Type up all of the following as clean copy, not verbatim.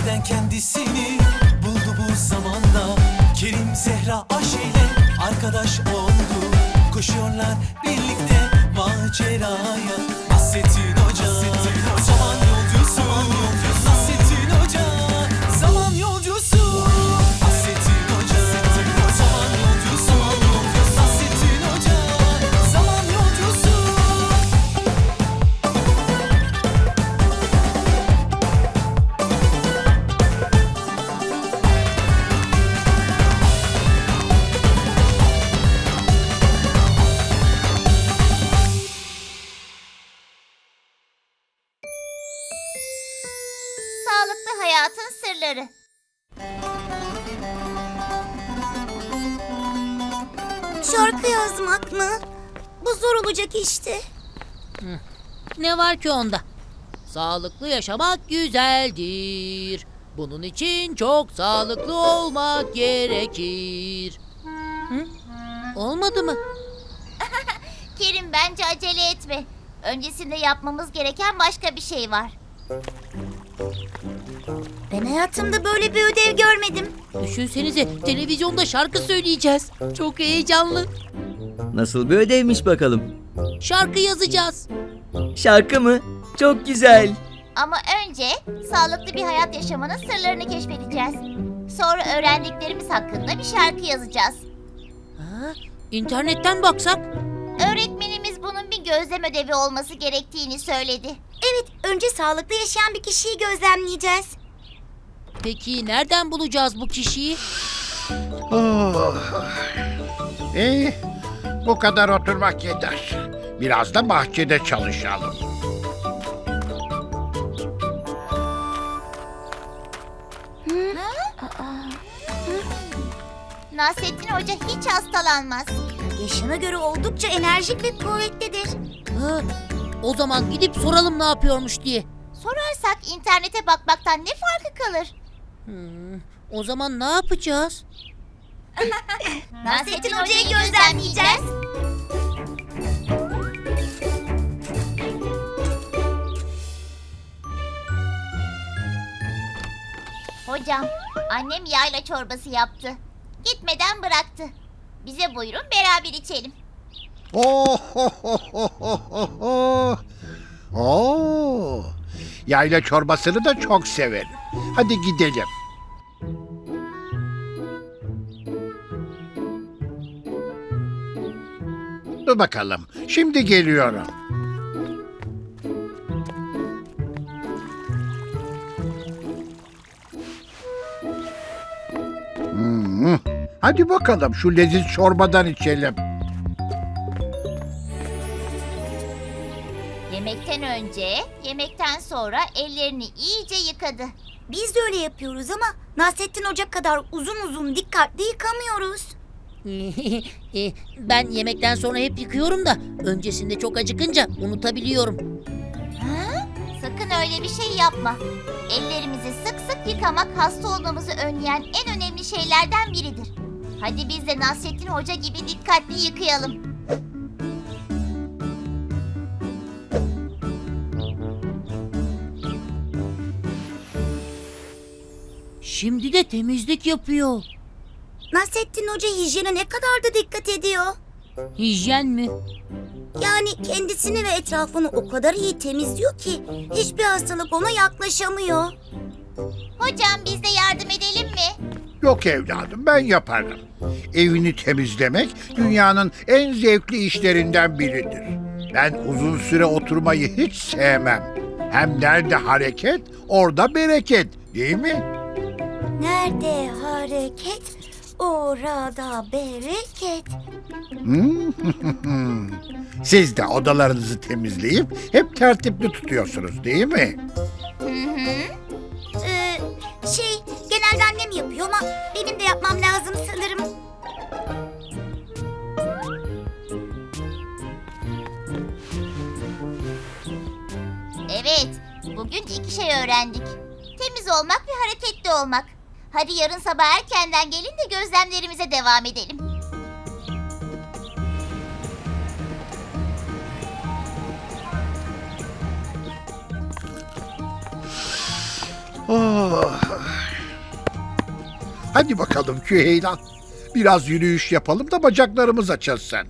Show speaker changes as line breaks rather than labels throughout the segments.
Birden kendisini buldu bu zamanda. Kerim Zehra Ayşe'yle arkadaş oldu. Koşuyorlar birlikte maceraya. Nasrettin Hoca, zaman yolcusu. Nasrettin Hoca, zaman yolcusu. Nasrettin Hoca, zaman yolcusu. Nasrettin Hoca, zaman yolcusu.
Sağlıklı hayatın sırları.
Şarkı yazmak mı? Bu zor olacak işte.
Ne var ki onda? Sağlıklı yaşamak güzeldir. Bunun için çok sağlıklı olmak gerekir. Hı? Olmadı mı?
Kerim, bence acele etme. Öncesinde yapmamız gereken başka bir şey var.
Ben hayatımda böyle bir ödev görmedim.
Düşünsenize, televizyonda şarkı söyleyeceğiz. Çok heyecanlı.
Nasıl bir ödevmiş bakalım?
Şarkı yazacağız.
Şarkı mı? Çok güzel.
Ama önce sağlıklı bir hayat yaşamanın sırlarını keşfedeceğiz. Sonra öğrendiklerimiz hakkında bir şarkı yazacağız.
Ha, internetten baksak?
Öğretmenimiz bunun bir gözlem ödevi olması gerektiğini söyledi.
Evet, önce sağlıklı yaşayan bir kişiyi gözlemleyeceğiz.
Peki nereden bulacağız bu kişiyi?
Oh. İyi, bu kadar oturmak yeter. Biraz da bahçede çalışalım.
Nasrettin Hoca hiç hastalanmaz.
Yaşına göre oldukça enerjik ve kuvvetlidir.
Ha, o zaman gidip soralım ne yapıyormuş diye.
Sorarsak internete bakmaktan ne farkı kalır?
O zaman ne yapacağız?
Nasrettin Hoca'yı gözlemleyeceğiz. Hocam, annem yayla çorbası yaptı. Gitmeden bıraktı. Bize buyurun, beraber içelim.
Oh, oh, oh, oh, oh, oh, oh. Oo. Yayla çorbasını da çok severim. Hadi gidelim. Dur bakalım. Şimdi geliyorum. Hadi bakalım şu leziz çorbadan içelim.
Yemekten önce, yemekten sonra ellerini iyice yıkadı.
Biz de öyle yapıyoruz ama Nasrettin Hoca kadar uzun uzun dikkatli yıkamıyoruz.
Ben yemekten sonra hep yıkıyorum da öncesinde çok acıkınca unutabiliyorum.
Sakın öyle bir şey yapma. Ellerimizi sık sık yıkamak hasta olmamızı önleyen en önemli şeylerden biridir. Hadi biz de Nasrettin Hoca gibi dikkatli yıkayalım.
Şimdi de temizlik yapıyor.
Nasrettin Hoca hijyene ne kadar da dikkat ediyor.
Hijyen mi?
Yani kendisini ve etrafını o kadar iyi temizliyor ki hiçbir hastalık ona yaklaşamıyor.
Hocam, biz de yardım edelim mi?
Yok evladım, ben yaparım. Evini temizlemek dünyanın en zevkli işlerinden biridir. Ben uzun süre oturmayı hiç sevmem. Hem nerede hareket, orada bereket, değil mi?
Nerede hareket, orada bereket.
Siz de odalarınızı temizleyip hep tertipli tutuyorsunuz, değil mi?
Genelde annem yapıyor ama benim de yapmam lazım sanırım.
Evet, bugün iki şey öğrendik. Temiz olmak ve hareketli olmak. Hadi yarın sabah erkenden gelin de gözlemlerimize devam edelim.
Oh, Hadi bakalım Küheylan. Biraz yürüyüş yapalım da bacaklarımız açılsın.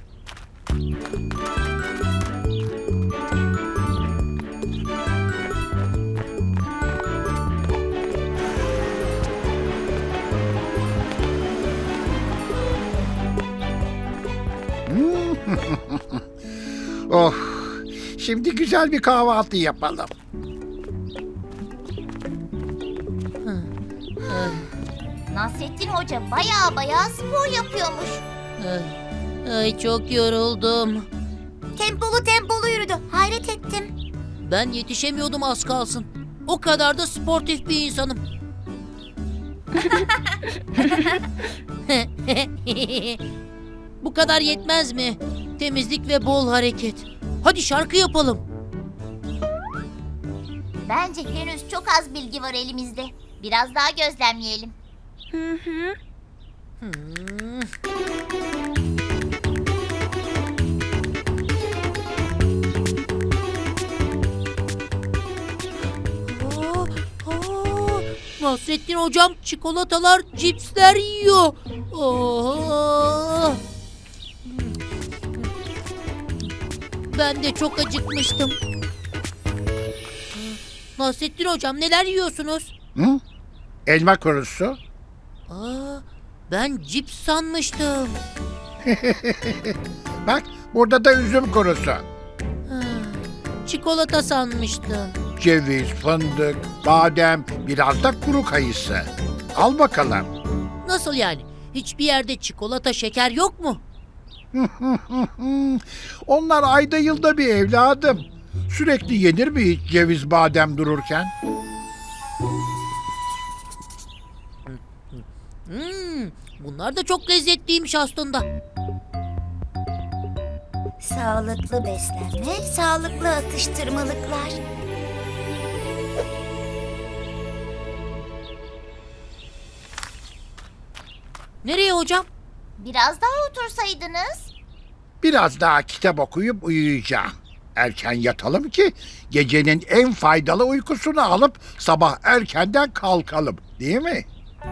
Oh, şimdi güzel bir kahvaltı yapalım.
Nasrettin Hoca baya spor yapıyormuş.
Ay çok yoruldum.
Tempolu yürüdü. Hayret ettim.
Ben yetişemiyordum az kalsın. O kadar da sportif bir insanım. Bu kadar yetmez mi? Temizlik ve bol hareket. Hadi şarkı yapalım.
Bence henüz çok az bilgi var elimizde. Biraz daha gözlemleyelim.
Hmm. Nasrettin hocam çikolatalar, cipsler yiyor. Ben de çok acıkmıştım. Nasrettin hocam neler yiyorsunuz?
Hı? Elma kurusu.
Ben cips sanmıştım.
Bak burada da üzüm kurusu.
Çikolata sanmıştım.
Ceviz, fındık, badem, biraz da kuru kayısı. Al bakalım.
Nasıl yani? Hiçbir yerde çikolata, şeker yok mu?
Onlar ayda yılda bir evladım. Sürekli yenir mi hiç ceviz, badem dururken?
Bunlar da çok lezzetliymiş aslında.
Sağlıklı beslenme, sağlıklı atıştırmalıklar.
Nereye hocam?
Biraz daha otursaydınız.
Biraz daha kitap okuyup uyuyacağım. Erken yatalım ki gecenin en faydalı uykusunu alıp sabah erkenden kalkalım, değil mi?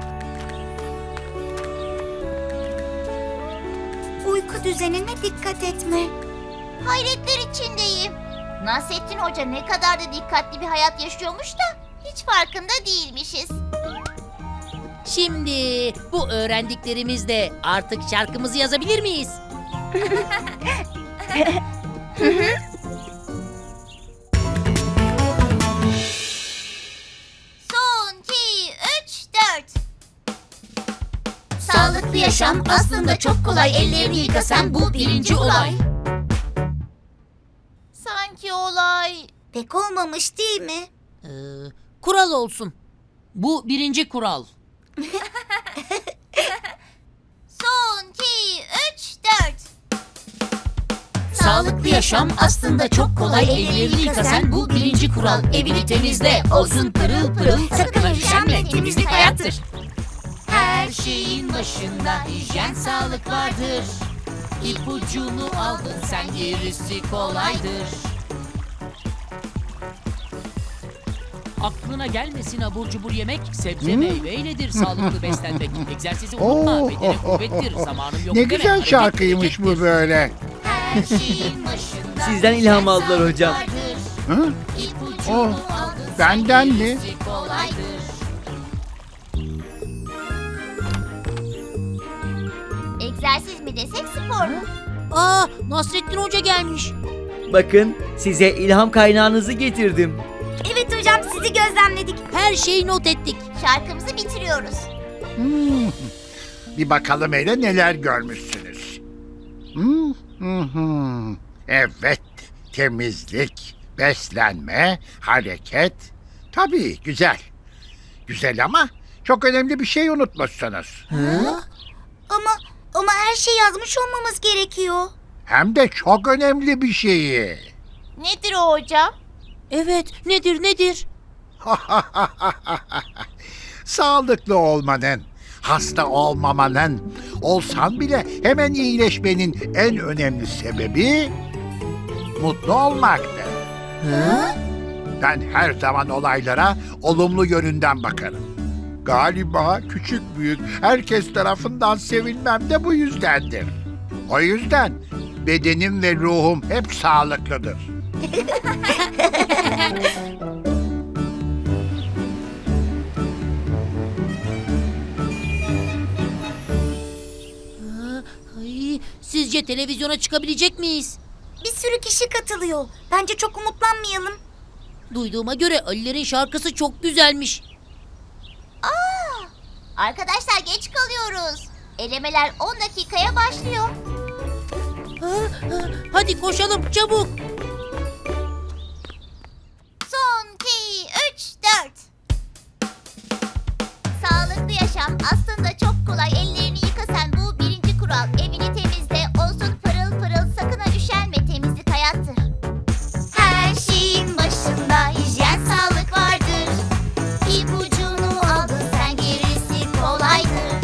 Uyku düzenine dikkat etme.
Hayretler içindeyim. Nasrettin Hoca ne kadar da dikkatli bir hayat yaşıyormuş da hiç farkında değilmişiz.
Şimdi bu öğrendiklerimizle artık şarkımızı yazabilir miyiz?
Son, 2, 3, 4. Sağlıklı yaşam aslında çok kolay. Ellerini yıka sen, bu birinci olay. Sanki olay...
Pek olmamış değil mi?
Kural olsun. Bu birinci kural.
Son, 2, 3, 4.
Sağlıklı yaşam aslında çok kolay. Ellerini yıka sen, bu birinci kural. Evini temizle, olsun pırıl pırıl. Sakın üşenme, temizlik hayattır. Her şeyin başında hijyen, sağlık vardır. İpucunu aldın sen, gerisi kolaydır. Aklına gelmesin abur cubur yemek, sebze meyveyledir sağlıklı beslenmek. Egzersizi unutma, bedene kuvvettir, zamanım yok
Ne
deme,
güzel
hareket
şarkıymış bu
berekettir.
böyle.
Her şeyin başında
Sizden ilham aldılar hocam.
Hı?
İpucunu
Oh,
aldın sen,
benden mi?
gerisi kolaydır.
Egzersiz mi desek, spor mu?
Nasrettin Hoca gelmiş.
Bakın size ilham kaynağınızı getirdim.
Evet hocam, sizi gözlemledik.
Her şeyi not ettik.
Şarkımızı bitiriyoruz.
Bir bakalım hele neler görmüşsünüz. Evet, temizlik, beslenme, hareket. Tabii güzel. Güzel ama çok önemli bir şey unutmuşsunuz.
Ama her şey yazmış olmamız gerekiyor.
Hem de çok önemli bir şeyi.
Nedir o hocam?
Evet, nedir?
Sağlıklı olmanın, hasta olmamanın, olsan bile hemen iyileşmenin en önemli sebebi mutlu olmaktır. Ben her zaman olaylara olumlu yönünden bakarım. Galiba küçük büyük herkes tarafından sevilmem de bu yüzdendir. O yüzden bedenim ve ruhum hep sağlıklıdır.
Ay, sizce televizyona çıkabilecek miyiz?
Bir sürü kişi katılıyor. Bence çok umutlanmayalım.
Duyduğuma göre Ali'lerin şarkısı çok güzelmiş.
Arkadaşlar geç kalıyoruz. Elemeler 10 dakikaya başlıyor.
Hadi koşalım çabuk.
Son 2, 3, 4. Sağlıklı yaşam aslında çok kolay. Ellerini yıka sen, bu birinci kural. Evini temizle, olsun pırıl pırıl. Sakın ha üşenme, temizlik hayattır. Her şeyin başında hijyen, sağlık vardır. İpucunu aldın sen, gerisi kolaydır.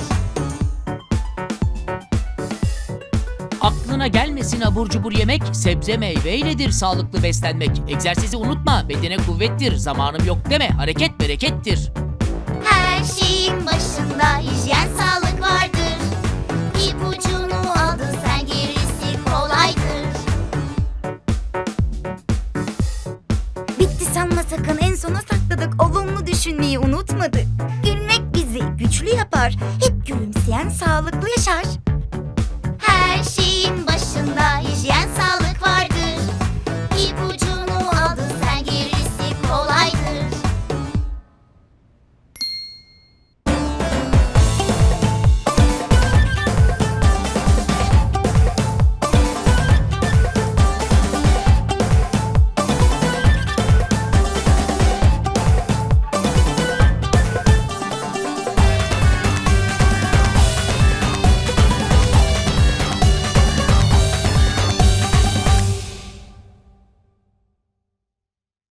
Aklına gelmesin abur cubur yemek, sebze meyveyledir sağlıklı beslenmek. Egzersizi unutma, bedene kuvvettir. Zamanım yok deme, hareket berekettir.
Her şeyin başında hijyen, sağlık vardır. İpucunu aldın sen, gerisi kolaydır.
Bitti sanma sakın, en sona sakladık. Olumlu düşünmeyi unutmadık. Gülmek bizi güçlü yapar. Hep gülümseyen sağlıklı yaşar.
Her şeyin başında hijyen, sağlık